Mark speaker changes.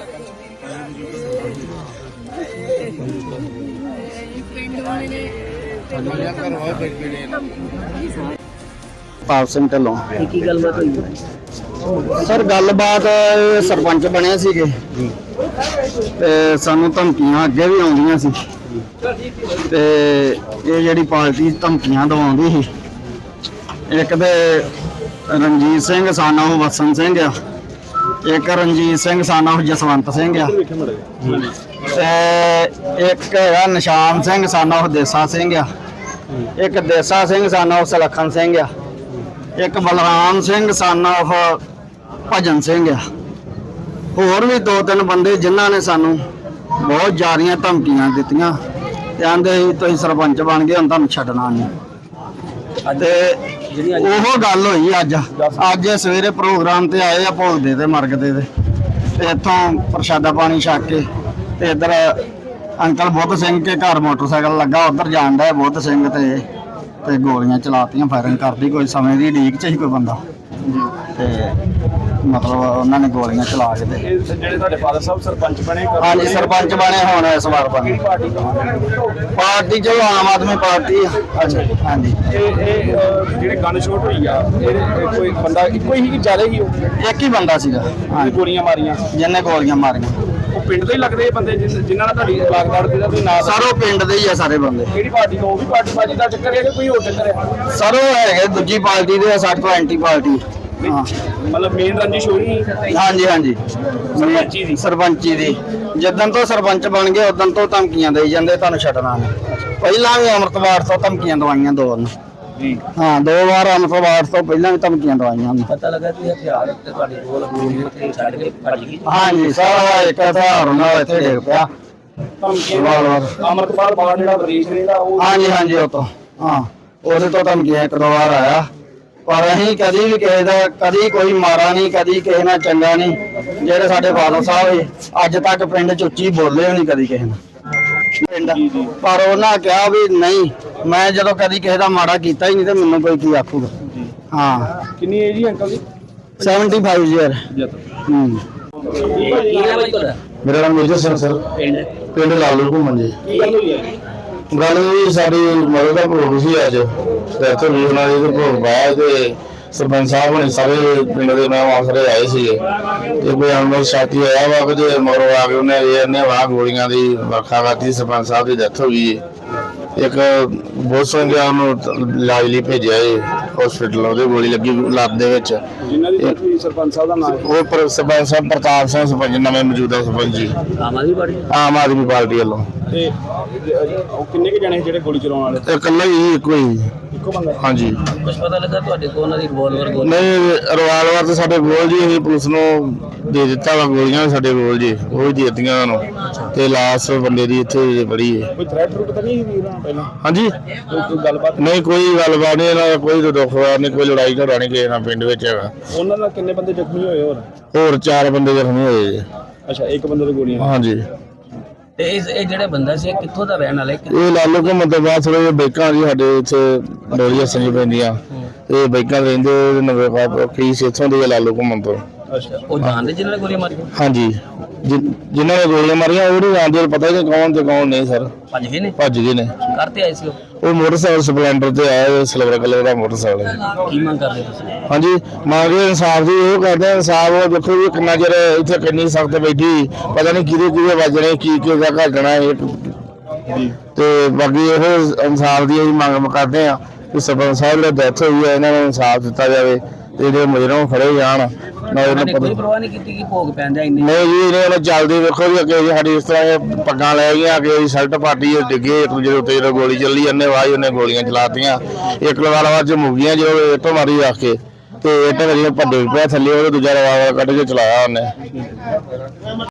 Speaker 1: पाप सिंह ढिल्लों
Speaker 2: की गलबात हुई
Speaker 1: सर गलबात सरपंच बने सीगे ते सानू धमकियां अगे भी आउंदियां सी ते ये जिहड़ी पार्टी धमकियां दवाउंदी सी एक ते रणजीत सिंह सन ऑफ वसन सिंह आ, एक रणजीत सिंह सन ऑफ जसवंत सिंह आ, ते एक है निशान सिंह सन ऑफ देसा सिंह आ, एक देसा सिंह सन ऑफ सलखन सिंह आ, एक बलराम सिंह सन ऑफ भजन सिंह आ। होर भी दो तीन बंदे जिन्हों ने सानू बहुत ज़्यादा धमकियां दित्तियां ते आंदे तुसीं सरपंच बन गए हुण तुहानूं छड्डना नहीं। ते ओहो गल होई अज सवेरे प्रोग्राम ते आए आ भोगदे ते मरगदे ते इत्थों प्रशादा पानी छक के ते इधर अंकल बुद्ध सिंह के घर मोटरसाइकिल लगा उधर जान डे बुद्ध सिंह ते गोलियां चलातियां फायरिंग कर दी कोई समय की उड़ीक च ही कोई बंदा ते मतलब उन्होंने गोलियां चला के हाँ जी सरपंच बने होने इस बार बने पार्टी चलो आम आदमी पार्टी हाँ जी एक ही बंदा सीगा जिन्हें गोलियां मारियां
Speaker 2: पिंड दे लगदे बंदे जिन्हां नाल तुहाडी लागदार
Speaker 1: सर वो पिंड दे ही है सारे बंदे
Speaker 2: किहड़ी पार्टी तो भी पार्टी बाजी दा चक्कर है कि कोई होर चक्कर है
Speaker 1: सर वो है दूजी पार्टी दे साथ तो एंटी पार्टी हाँ
Speaker 2: मतलब मेन रंजिश होई
Speaker 1: हाँ जी सरपंची दी जिदन तो सरपंच बन गए उदन तो धमकियां दे जांदे तुहानूं छड्डना नहीं। पहला भी अमृतवार तो धमकियां दवाइयां दो हाँ दो बार अमृतवार तो पहला भी धमकियां दवाइयां
Speaker 2: पता लगा कि हथियार ते तुहाडे कोल गोली छड्ड के भज गई
Speaker 1: हाँ जी सारा एक हथियार नाल इत्थे डिग पिया
Speaker 2: अमृतपाल बाहर जेड़ा विदेश रहंदा ਉਹ
Speaker 1: हाँ जी वो तो हाँ ਉਹਦੇ ਤੋਂ ਧਮਕੀਆਂ ਇੱਕ ਦੋ ਵਾਰ ਆਇਆ पर असीं कदी भी किसी का कदी कोई मारा नहीं कदी किसी नाल चंगा नहीं ਜਿਹੜੇ ਸਾਡੇ फादर साहब अज तक पिंड च उच्ची बोले भी नहीं कदी किसी नाल पिंड पर उन्होंने कहा भी नहीं मैं जो कदी किसी का माड़ा किया ही नहीं तो मैनूं कोई की आखूगा। हाँ
Speaker 2: कितनी एज है अंकल जी
Speaker 1: 75 ईयर मेरा नाम मेजर सिंह सर पिंड लालू घूमन जी गल जी साडी मदद का भोग सी अज डेथ हुई उन्होंने भोग पाया तो सरपंच साहब ने सारे पिंड के नाम आसरे आए थे कोई अनमोल साथी आया वा कि मगरों आ के उन्हें वाह गोलियां की वर्खा करती सरपंच साहब की डेथ हो गई। एक बहुत संख्या इलाज लिए भेजा है हॉस्पिटल गोली लगी लत्त सरपंच साहब प्रताप सिंह सरपंच नवे मौजूदा सरपंच जी आम आदमी पार्टी वालों
Speaker 2: किन्ने के जने जेडे गोली चलाउण वाले
Speaker 1: इकल्ला ही इको बंदा हाँ जी
Speaker 2: कुछ पता लगा तुहाडे कोल उन्हां दी रिवाल्वर गोली
Speaker 1: नहीं रिवाल्वर तो साडे कोल जी असीं पुलिस नूं दे दित्ता वा गोलियां साडे कोल जी वो ही दे दित्तियां उन्हां नूं ते लाश बंदे दी इत्थे बड़ी है कोई थ्रेट रूट तो नहीं वीरां पहला हाँ जी कोई गलबात नहीं कोई गलबात नहीं इन्हां दा कोई दुखवार नहीं कोई लड़ाई झगड़ा नहीं किसी नाल पिंड विच हैगा।
Speaker 2: उन्हां नाल किन्ने बंदे जख्मी होए
Speaker 1: होर 4 बंदे जख्मी होए जी।
Speaker 2: अच्छा एक बंदे दी गोलियां हाँ जी ਤੇ ਇਹ ਜਿਹੜਾ ਬੰਦਾ ਸੀ ਕਿੱਥੋਂ ਦਾ ਰਹਿਣ ਵਾਲਾ ਹੈ
Speaker 1: ਇਹ ਲਾਲੂ ਘੁੰਮ ਤੋਂ ਬਾਅਦ ਥੋੜੇ ਬਾਈਕਾਂ ਜੀ ਸਾਡੇ ਇੱਥੇ ਡੋਲੀਆਂ ਸੰਜੀ ਪੈਂਦੀਆਂ ਇਹ ਬਾਈਕਾਂ ਰਹਿੰਦੇ ਨਵੇਂ ਫੀਸ ਇੱਥੋਂ ਦੀ ਲਾਲੂ ਘੁੰਮ ਤੋਂ
Speaker 2: ਅੱਛਾ ਉਹ ਜਾਣਦੇ ਜਿਨ੍ਹਾਂ ਨੇ ਗੋਲੀਆਂ ਮਾਰੀਆਂ
Speaker 1: ਹਾਂਜੀ ਜਿਨ੍ਹਾਂ ਨੇ ਗੋਲੀਆਂ ਮਾਰੀਆਂ ਉਹ ਨਹੀਂ ਜਾਣਦੇ ਪਤਾ ਨਹੀਂ ਕੌਣ ਤੇ ਕੌਣ ਨਹੀਂ ਸਰ ਭੱਜ ਗਏ ਨੇ
Speaker 2: ਕਰਤੇ ਆਏ ਸੀ
Speaker 1: ਉਹ ਮੋਟਰਸਾਈਕਲ ਸਪਲੈਂਡਰ ਤੇ ਆਇਆ ਸਿਲਵਰ ਕਲਰ ਦਾ ਮੋਟਰਸਾਈਕਲ
Speaker 2: ਕੀ ਮੰਗ ਕਰਦੇ ਤੁਸੀਂ
Speaker 1: ਹਾਂਜੀ ਮੰਗੇ ਇਨਸਾਫ ਦੀ ਉਹ ਕਰਦੇ ਇਨਸਾਫ ਉਹ ਦੇਖੋ ਵੀ ਕਿੰਨਾ ਚਿਰ ਇੱਥੇ ਕਿੰਨੀ ਸਖਤ ਬੈਠੀ ਪਤਾ ਨਹੀਂ ਕਿਹਦੇ ਵੱਜਣੇ ਕੀ ਦਾ ਘਟਣਾ ਤੇ ਬਾਕੀ ਇਹ ਇਨਸਾਫ ਦੀ ਅਸੀਂ ਮੰਗ ਕਰਦੇ ਆ ਕਿ ਸਰਪੰਚ ਸਾਹਿਬ ਦੀ ਡੈਥ ਹੋਈ ਹੈ ਇਹਨਾਂ ਨੂੰ ਇਨਸਾਫ ਦਿੱਤਾ ਜਾਵੇ ਤੇ ਜਿਹੜੇ ਮੁਜਰਮ ਫੜੇ ਜਾਣ
Speaker 2: ਕੋਈ ਪਰਵਾਹ ਨਹੀਂ ਕੀਤੀ ਕਿ ਭੋਗ ਪੈਂਦਾ ਇੰਨੇ
Speaker 1: ਨਹੀਂ ਜੀ ਇਹਨਾਂ ਚੱਲਦੀ ਵੇਖੋ ਜੀ ਅੱਗੇ ਸਾਡੀ ਇਸ ਤਰ੍ਹਾਂ ਪੱਗਾਂ ਲੈ ਗਈਆਂ ਅੱਗੇ ਸ਼ਰਟ ਪਾਰਟੀ ਡਿੱਗੇ ਇੱਕ ਦੂਜੇ ਉੱਤੇ ਜਦੋਂ ਗੋਲੀ ਚੱਲੀ ਜਾਂਦੇ ਵਾਹ ਉਹਨੇ ਗੋਲੀਆਂ ਚਲਾਤੀਆਂ ਇੱਕ ਲਵਾਲਵਾ ਚ ਮੁੱਗੀਆਂ ਜਦੋਂ ਇੱਟੋਂ ਮਾਰੀ ਰੱਖ ਕੇ ਤੇ ਇੱਟ ਮੇਰੀਆਂ ਭੱਡੇ ਪਿਆ ਥੱਲੇ ਉਹ ਦੂਜਾ ਲਵਾਲਵਾ ਕੱਢ ਕੇ ਚਲਾਇਆ ਉਹਨੇ।